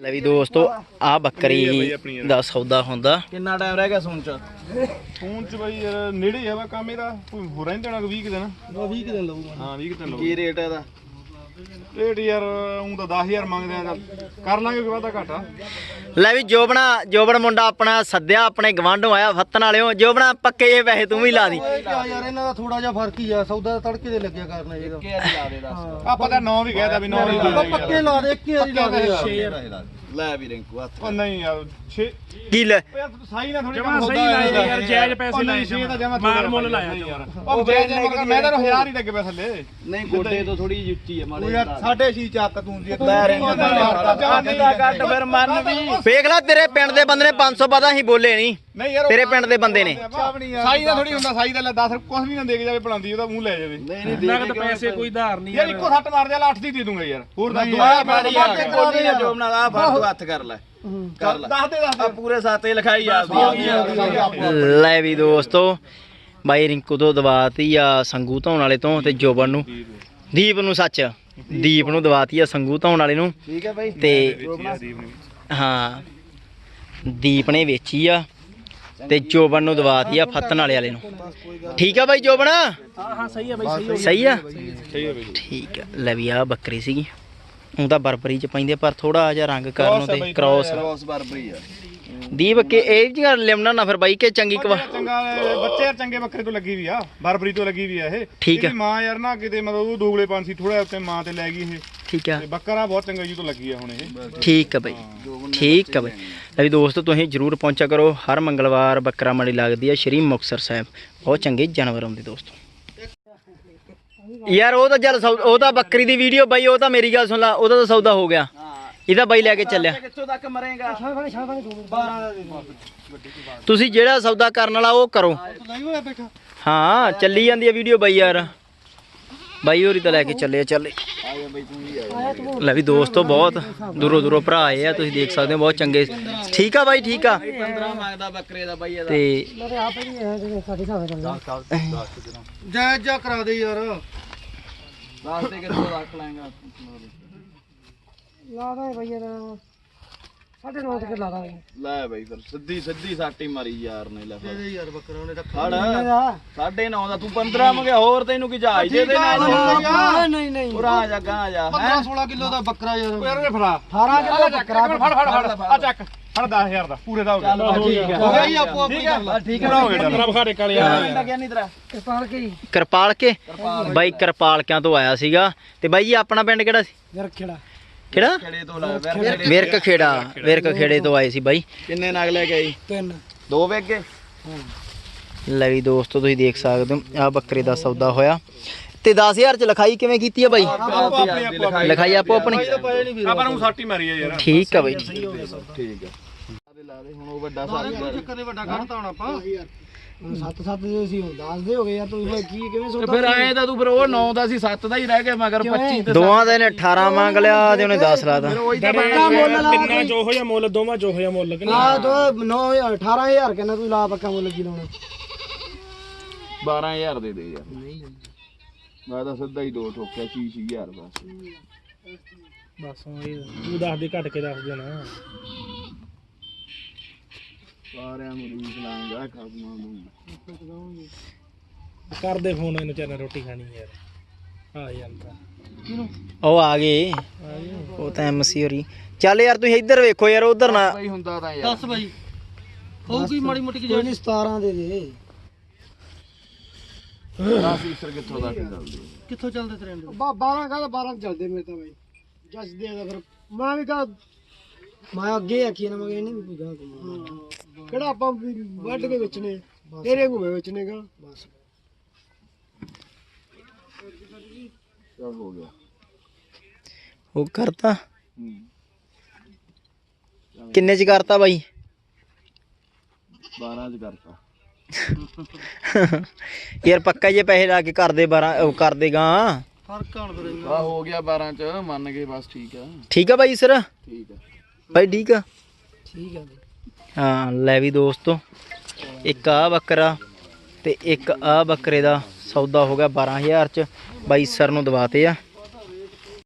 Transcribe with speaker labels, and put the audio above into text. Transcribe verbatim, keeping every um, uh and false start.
Speaker 1: ਲੈ ਵੀ ਦੋਸਤੋ ਆ ਬੱਕਰੀ ਦਾ ਸੌਦਾ ਹੁੰਦਾ।
Speaker 2: ਕਿੰਨਾ ਟਾਈਮ ਰਹਿ ਗਿਆ ਸੂਣ ਚ?
Speaker 3: ਸੂਣ ਚ ਬਾਈ ਯਾਰ ਨੇੜੇ ਆ ਵਾ ਕੰਮ ਇਹਦਾ, ਕੋਈ ਹੋ ਰਹਿੰਦੇ ਨਾ ਵੀਹ ਦਿਨ।
Speaker 2: ਵੀਹ ਦਿਨ ਲਊਗਾ।
Speaker 3: ਹਾਂ ਵੀਹ ਦਿਨ ਲਊਗਾ।
Speaker 2: ਕੀ ਰੇਟ ਇਹਦਾ?
Speaker 3: ਰੇਟ ਯਾਰ ਉਹ ਤਾਂ ਦਸ ਹਜ਼ਾਰ ਮੰਗਦੇ ਆ, ਕਰ ਲਾਂਗੇ ਕੋਈ ਵਾਧਾ ਘਾਟਾ।
Speaker 1: ਲੈ ਵੀ ਜੋਬਣਾ ਜੋਬਣ ਮੁੰਡਾ ਆਪਣਾ ਸੱਦਿਆ, ਆਪਣੇ ਗਵਾਂਢੋਂ ਆਇਆ ਫੱਤਣ ਵਾਲਿਓ। ਜੋਬਣਾ ਪੱਕੇ ਜੇ ਪੈਸੇ ਤੂੰ ਵੀ ਲਾ ਦੀ
Speaker 2: ਯਾਰ ਇਹਨਾਂ ਦਾ ਥੋੜਾ ਜਿਹਾ ਫਰਕ ਹੀ ਆ, ਸੌਦਾ ਤੜਕੇ ਦੇ ਲੱਗਿਆ ਕਰਨਾ ਇਹਦਾ। ਇੱਕ ਵਾਰੀ ਲਾ ਦੇ ਦੱਸ।
Speaker 3: ਆਪਾਂ ਤਾਂ ਨੌ ਵੀ ਕਹਿਦਾ ਵੀ ਨੌ ਹੀ ਲਾ ਦੇ।
Speaker 2: ਪੱਕੇ ਲਾ ਦੇ, ਇੱਕ ਵਾਰੀ ਲਾ ਦੇ ਯਾਰ। ਲੈ ਵੀ ਰਿੰਕੂ ਹੱਥ।
Speaker 3: ਉਹ ਨਹੀਂ ਯਾਰ ਛੇ
Speaker 1: ਕੀ ਲੈ
Speaker 3: ਯਾਰ ਸਾਈ ਨਾ ਥੋੜੀ
Speaker 4: ਜਮਾ ਸਹੀ ਲਾਇਆ ਯਾਰ, ਜਾਇਜ਼ ਪੈਸੇ ਲਾਏ ਜਮਾ, ਮਾਲ ਮੁੱਲ ਲਾਇਆ ਯਾਰ।
Speaker 3: ਉਹ ਜਾਇਜ਼ ਮਗਰ ਮੈਂ ਤਾਂ ਹਜ਼ਾਰ ਹੀ ਲੱਗੇ ਪਏ ਥੱਲੇ।
Speaker 2: ਨਹੀਂ ਗੋਡੇ ਤੋਂ ਥੋੜੀ ਜਿਹੀ ਉੱਚੀ ਆ ਮਾੜੀ।
Speaker 3: ਯਾਰ ਸਾਢੇ ਛੇ ਚੱਕ ਤੂੰ ਦੀ
Speaker 2: ਲੈ ਰਿੰਕੂ ਦਾ ਕੱਟ ਫਿਰ ਮੰਨ ਵੀ।
Speaker 1: ਵੇਖ ਲੈ ਤੇਰੇ ਪਿੰਡ ਦੇ ਬੰਦੇ ਨੇ ਪੰਜ ਸੌ ਪਤਾ ਹੀ ਬੋਲੇ ਨਹੀਂ।
Speaker 3: ਨਹੀਂ ਯਾਰ
Speaker 1: ਤੇਰੇ ਪਿੰਡ ਦੇ ਬੰਦੇ ਨੇ
Speaker 3: ਸਾਈ ਦਾ ਥੋੜੀ ਹੁੰਦਾ, ਸਾਈ ਦਾ ਲੈ ਦਸ ਕੁਝ ਵੀ ਨਾ ਦੇ ਕੇ ਜਾਵੇ ਬਣਾਉਂਦੀ, ਉਹਦਾ ਮੂੰਹ ਲੈ ਜਾਵੇ।
Speaker 2: ਨਹੀਂ ਨਹੀਂ
Speaker 4: ਨਗਦ ਪੈਸੇ ਕੋਈ ਧਾਰ ਨਹੀਂ
Speaker 3: ਯਾਰ ਇੱਕੋ ਸੱਟ ਮਾਰ ਜਾ, ਅੱਠ ਦੀ ਦੇ ਦੂੰਗਾ ਯਾਰ। ਹੋਰ ਦੱਸ ਦੋ
Speaker 2: ਕੋਲੀ ਨਾ ਜੋਬ ਨਾਲ ਆ ਫੜ ਤੂੰ ਹੱਥ ਕਰ ਲੈ ਕਰ ਲੈ।
Speaker 3: ਦੱਸ ਦੇ ਦੱਸ
Speaker 2: ਆ ਪੂਰੇ ਸਾਤੇ ਲਿਖਾਈ ਆਪਦੀ।
Speaker 1: ਲੈ ਵੀ ਦੋਸਤੋ ਬਾਈ ਰਿੰਕੂ ਤੋਂ ਦਵਾਤੀ ਆ ਸੰਗੂ ਧੌਣ ਵਾਲੇ ਤੋਂ, ਤੇ ਜੋਬਨ ਨੂੰ ਦੀਪ ਨੂੰ ਸੱਚ ਦੀਪ ਨੂੰ ਦਵਾਤੀ ਆ ਸੰਗੂ ਧੌਣ ਵਾਲੇ ਨੂੰ।
Speaker 2: ਠੀਕ ਹੈ ਬਾਈ।
Speaker 1: ਤੇ ਹਾਂ ਦੀਪ ਨੇ ਵੇਚੀ ਆ ਤੇ ਜੋਬਨ ਨੂੰ ਦਵਾਤੀ ਆ ਫੱਤਣ ਵਾਲੇ ਵਾਲੇ ਨੂੰ। ਠੀਕ ਆ ਬਾਈ ਜੋਬਨ?
Speaker 4: ਹਾਂ ਹਾਂ ਸਹੀ ਹੈ ਬਾਈ, ਸਹੀ
Speaker 1: ਸਹੀ ਆ
Speaker 3: ਸਹੀ ਹੈ ਬਈ।
Speaker 1: ਠੀਕ ਆ। ਲੈ ਵੀ ਆ ਬੱਕਰੀ ਸੀਗੀ, ਉਹ ਤਾਂ ਬਰਬਰੀ ਚ ਪੈਂਦੇ ਪਰ ਥੋੜਾ ਜਿਹਾ ਰੰਗ ਕਰਨ ਤੇ ਕ੍ਰੋਸ
Speaker 2: ਕ੍ਰੋਸ ਬਰਬਰੀ ਆ।
Speaker 1: ਦੀਪ ਕੇ ਇਹ ਜਿਹੀਆਂ ਲਿਮਣਾ ਨਾ ਫਿਰ ਬਾਈ ਕਿ ਚੰਗੀ ਕਵਾ
Speaker 3: ਚੰਗਾ ਬੱਚੇ ਯਾਰ ਚੰਗੇ ਬੱਕਰੇ ਤੋਂ ਲੱਗੀ ਵੀ ਆ, ਬਰਬਰੀ ਤੋਂ ਲੱਗੀ ਵੀ ਆ ਇਹ।
Speaker 1: ਠੀਕ ਆ।
Speaker 3: ਇਹਦੀ ਮਾਂ ਯਾਰ ਨਾ ਕਿਤੇ ਮਤਲਬ ਉਹ ਦੋਗਲੇ ਪੰਛੀ ਥੋੜਾ ਉੱਤੇ ਮਾਂ ਤੇ ਲੈ ਗਈ ਇਹ।
Speaker 1: ਠੀਕ ਆ
Speaker 3: ਤੇ ਬੱਕਰਾ ਬਹੁਤ ਚੰਗਾ ਜੀ ਤੋਂ ਲੱਗੀ ਆ ਹੁਣ ਇਹ।
Speaker 1: ਠੀਕ ਆ ਬਾਈ, ਠੀਕ ਆ ਬਾਈ। ਲੈ ਵੀ ਦੋਸਤੋ ਤੁਸੀਂ ਜਰੂਰ ਪਹੁੰਚਿਆ ਕਰੋ, ਹਰ ਮੰਗਲਵਾਰ ਬੱਕਰਾ ਮੰਡੀ ਲੱਗਦੀ ਆ ਸ਼੍ਰੀ ਮੁਕਤਸਰ ਸਾਹਿਬ। ਬਹੁਤ ਚੰਗੇ ਜਾਨਵਰ ਆਉਂਦੇ ਦੋਸਤੋ। ਯਾਰ ਉਹ ਤਾਂ ਚੱਲ ਸੌ- ਉਹ ਤਾਂ ਬੱਕਰੀ ਦੀ ਵੀਡੀਓ ਬਾਈ, ਉਹ ਤਾਂ ਮੇਰੀ ਗੱਲ ਸੁਣ ਲਾ, ਉਹਦਾ ਤਾਂ ਸੌਦਾ ਹੋ ਗਿਆ। ਇਹਦਾ ਬਾਈ ਲੈ ਕੇ ਚੱਲਿਆ।
Speaker 2: ਕਿੱਥੋਂ ਤੱਕ ਮਰੇਗਾ? ਬਾਰਾਂ ਦਾ ਦੇ
Speaker 1: ਤੁਸੀਂ ਜਿਹੜਾ ਸੌਦਾ ਕਰਨ ਵਾਲਾ ਉਹ ਕਰੋ। ਹਾਂ ਚੱਲੀ ਜਾਂਦੀ ਆ ਵੀਡੀਓ ਬਾਈ ਯਾਰ। ਬਾਈ ਹੋਰੀ ਤਾਂ ਲੈ ਕੇ ਚੱਲੇ ਚੱਲੇ। ਲੈ ਵੀ ਦੋਸਤੋ ਬਹੁਤ ਦੂਰੋਂ ਦੂਰੋਂ ਭਰਾ ਆਏ ਆ, ਤੁਸੀਂ ਦੇਖ ਸਕਦੇ ਹੋ ਬਹੁਤ ਚੰਗੇ। ਠੀਕ ਆ ਬਾਈ, ਠੀਕ ਆ।
Speaker 2: ਪੰਦਰਾਂ ਮੰਗਦਾ ਬੱਕਰੇ ਦਾ ਬਾਈ ਇਹਦਾ।
Speaker 1: ਤੇ
Speaker 2: ਜੈ ਜੈ ਕਰਾ ਦੇ ਯਾਰ। ਦੱਸ ਦੇ ਕਿੱਥੋਂ ਰੱਖ ਲਾਂਗਾ।
Speaker 5: ਲਾ ਦਾ ਭਈ ਇਹਦਾ ਸਾਢੇ ਨੌ ਤੱਕ ਲਾ ਦਾਂਗੇ।
Speaker 2: ਲੈ ਬਾਈ ਫਿਰ ਸਿੱਧੀ ਸਿੱਧੀ ਸਾਟੀ ਮਾਰੀ ਯਾਰ ਨੇ। ਲੈ
Speaker 5: ਦੇ ਯਾਰ ਬੱਕਰਾ ਉਹਨੇ
Speaker 2: ਫੜ ਸਾਢੇ ਨੌ ਦਾ ਤੂੰ ਪੰਦਰਾਂ ਮੰਗਿਆ, ਹੋਰ ਤੈਨੂੰ ਕੀ ਜਹਾਜ਼ ਦੇ ਦੇ ਨਾਲ?
Speaker 5: ਨਹੀਂ ਨਹੀਂ
Speaker 2: ਉਰਾ ਜਾ ਗਾਂ ਜਾ।
Speaker 5: ਪੰਦਰਾਂ ਸੋਲਾਂ ਕਿਲੋ ਦਾ ਬੱਕਰਾ ਯਾਰ।
Speaker 3: ਯਾਰ ਇਹ ਫੜਾ
Speaker 5: ਅਠਾਰਾਂ ਕਿਲੋ ਬੱਕਰਾ।
Speaker 3: ਫੜ ਫੜ ਫੜ ਆ ਚੱਕ ਫੜ ਦਸ ਹਜ਼ਾਰ ਦਾ ਪੂਰੇ ਦਾ ਹੋ ਗਿਆ।
Speaker 2: ਠੀਕ ਹੈ
Speaker 5: ਹੋ ਗਿਆ ਜੀ ਆਪੋ ਆਪਣੀ ਕਰ ਲਾ।
Speaker 2: ਠੀਕ
Speaker 3: ਪੂਰਾ ਹੋ ਗਿਆ।
Speaker 4: ਪੰਦਰਾਂ ਬਖਾੜੇ ਕਾਲੇ ਆ
Speaker 2: ਲੱਗਿਆ ਨਹੀਂ ਤੇਰਾ?
Speaker 5: ਕਿਰਪਾਲ ਕੇ
Speaker 1: ਕਿਰਪਾਲ ਕੇ ਬਾਈ ਕਿਰਪਾਲਕਿਆਂ ਤੋਂ ਆਇਆ ਸੀਗਾ। ਤੇ ਬਾਈ ਜੀ ਆਪਣਾ ਪਿੰਡ ਕਿਹੜਾ ਸੀ?
Speaker 5: ਯਾਰ ਖੇੜਾ
Speaker 1: ਕਿਹੜਾ?
Speaker 2: ਖੇੜੇ ਤੋਂ ਲੈ ਵਿਰਕ।
Speaker 1: ਵਿਰਕ ਖੇੜਾ। ਵਿਰਕ ਖੇੜੇ ਤੋਂ ਆਏ ਸੀ ਬਾਈ।
Speaker 2: ਕਿੰਨੇ ਨਗ ਲੈ ਕੇ ਆਈ?
Speaker 5: ਤਿੰਨ
Speaker 2: ਦੋ ਵੇਗੇ।
Speaker 1: ਲੈ ਵੀ ਦੋਸਤੋ ਤੁਸੀਂ ਦੇਖ ਸਕਦੇ ਹੋ ਆ ਬੱਕਰੇ ਦਾ ਸੌਦਾ ਹੋਇਆ। ਤੇ ਦਸ ਹਜ਼ਾਰ ਚ ਲਿਖਾਈ ਕਿਵੇਂ ਕੀਤੀ ਆ ਬਾਈ? ਲਿਖਾਈ ਆਪੋ ਆਪਣੀ।
Speaker 3: ਆਪਾਂ ਨੂੰ ਸਾਟੀ ਮਾਰੀ ਆ ਯਾਰ।
Speaker 1: ਠੀਕ ਆ ਬਾਈ।
Speaker 2: ਠੀਕ ਹੈ ਲਾ ਦੇ ਹੁਣ। ਉਹ ਵੱਡਾ ਸਾਰੀ
Speaker 5: ਚੱਕਰ ਦੇ ਵੱਡਾ ਕੱਢਤਾ ਹੁਣ ਆਪਾਂ। ਸੱਤ ਸੱਤ ਦੇ ਸੀ, ਦਸ ਦੇ ਹੋ ਗਏ ਯਾਰ। ਤੂੰ ਕੀ ਕਿਵੇਂ ਸੌਦਾ?
Speaker 2: ਫਿਰ ਆਏ ਤਾਂ ਤੂੰ ਫਿਰ ਉਹ ਨੌ ਦਾ ਸੀ, ਸੱਤ ਦਾ ਹੀ ਰਹਿ ਗਿਆ ਮਗਰ ਪੱਚੀ ਤੇ
Speaker 1: ਦੋਵਾਂ ਦੇ ਨੇ ਅਠਾਰਾਂ ਮੰਗ ਲਿਆ ਤੇ ਉਹਨੇ ਦਸ ਲਾਤਾ।
Speaker 4: ਤਿੰਨਾਂ ਜੋ ਹੋਇਆ ਮੁੱਲ, ਦੋਵਾਂ ਜੋ ਹੋਇਆ ਮੁੱਲ।
Speaker 5: ਆ ਦੋ ਨੌ ਹਜ਼ਾਰ ਅਠਾਰਾਂ ਹਜ਼ਾਰ ਕਹਿੰਦਾ ਤੂੰ ਲਾ ਪੱਕਾ ਮੁੱਲ ਕੀ ਲਾਉਣਾ?
Speaker 2: ਬਾਰਾਂ ਹਜ਼ਾਰ ਦੇ ਦੇ ਯਾਰ। ਮੈਂ ਤਾਂ ਸਿੱਧਾ ਹੀ ਦੋ ਠੋਕਿਆ ਛੇ ਛੇ ਹਜ਼ਾਰ ਬਸ।
Speaker 4: ਬਸ ਤੂੰ ਦੱਸ ਦੇ, ਘੱਟ ਕੇ ਦੱਸ ਦੇਣਾ।
Speaker 2: ਸਾਰਿਆਂ ਨੂੰ ਰੀਸ ਲਾਂਗਾ ਖਾਸਮਾਂ ਨੂੰ।
Speaker 4: ਕਰਦੇ ਫੋਨ ਇਹਨੂੰ, ਚਾਹਨਾ ਰੋਟੀ ਖਾਣੀ ਯਾਰ। ਆ ਯਾਰ ਤਾਂ
Speaker 1: ਉਹ ਆ ਗਏ, ਉਹ ਤਾਂ ਐਮਸੀ ਹੋਰੀ। ਚੱਲ ਯਾਰ ਤੁਸੀਂ ਇੱਧਰ ਵੇਖੋ ਯਾਰ, ਉਧਰ ਨਾ
Speaker 2: ਬਈ ਹੁੰਦਾ ਤਾਂ ਯਾਰ।
Speaker 5: ਦੱਸ ਬਾਈ ਹੋਊਗੀ ਮਾੜੀ ਮੋਟੀ ਕਿ ਜਿਹੜੀ ਸਤਾਰਾਂ ਦੇ ਦੇ।
Speaker 2: ਦਸ ਈਸਰ ਕਿੱਥੋਂ ਦਾ ਚੱਲਦੀ?
Speaker 5: ਕਿੱਥੋਂ ਚੱਲਦੇ ਟ੍ਰੈਂਡ? ਬਾਰਾਂ ਕਾ ਬਾਰਾਂ ਚੱਲਦੇ ਮੇਰੇ ਤਾਂ ਬਾਈ। ਜੱਜ ਦੇ ਦਾ ਫਿਰ ਮੈਂ ਵੀ ਕਹਾ ਮੈਂ ਅੱਗੇ ਆਖੀ ਨਾ, ਮੈਂ ਇਹਨੇ ਵੀ ਕੋਈ ਗਾ ਕਿਹੜਾ ਆਪਾਂ ਵੱਢ ਕੇ ਵੇਚਣੇ, ਤੇਰੇ ਘੂਵੇ ਵੇਚਣੇ ਗਾ ਬਸ।
Speaker 2: ਚੱਲ ਹੋ ਗਿਆ।
Speaker 1: ਉਹ ਕਰਤਾ। ਕਿੰਨੇ ਚ ਕਰਤਾ ਬਾਈ?
Speaker 2: ਬਾਰਾਂ ਚ ਕਰਤਾ
Speaker 1: ਯਾਰ ਪੱਕਾ ਜੇ ਪੈਸੇ ਲਾ ਕੇ ਕਰਦੇ ਬਾਰਾਂ ਉਹ ਕਰਦੇ ਗਾ।
Speaker 5: ਫਰਕ ਆਣ ਫਿਰ
Speaker 2: ਆ ਹੋ ਗਿਆ ਬਾਰਾਂ ਚ ਮੰਨ ਗਏ ਬਸ। ਠੀਕ ਆ
Speaker 1: ਠੀਕ ਆ ਬਾਈ ਸਰ।
Speaker 2: ਠੀਕ ਆ
Speaker 1: ਬਾਈ ਠੀਕ ਆ।
Speaker 5: ਠੀਕ ਆ
Speaker 1: ਹਾਂ ਲੈ ਵੀ ਦੋਸਤੋ ਇੱਕ ਆ ਬੱਕਰਾ ਤੇ ਇੱਕ ਆ ਬੱਕਰੇ ਦਾ ਸੌਦਾ ਹੋ ਗਿਆ ਬਾਰਾਂ ਹਜ਼ਾਰ ਚ। ਬਾਈ ਸਰ ਨੂੰ ਦਵਾਤੇ ਆ।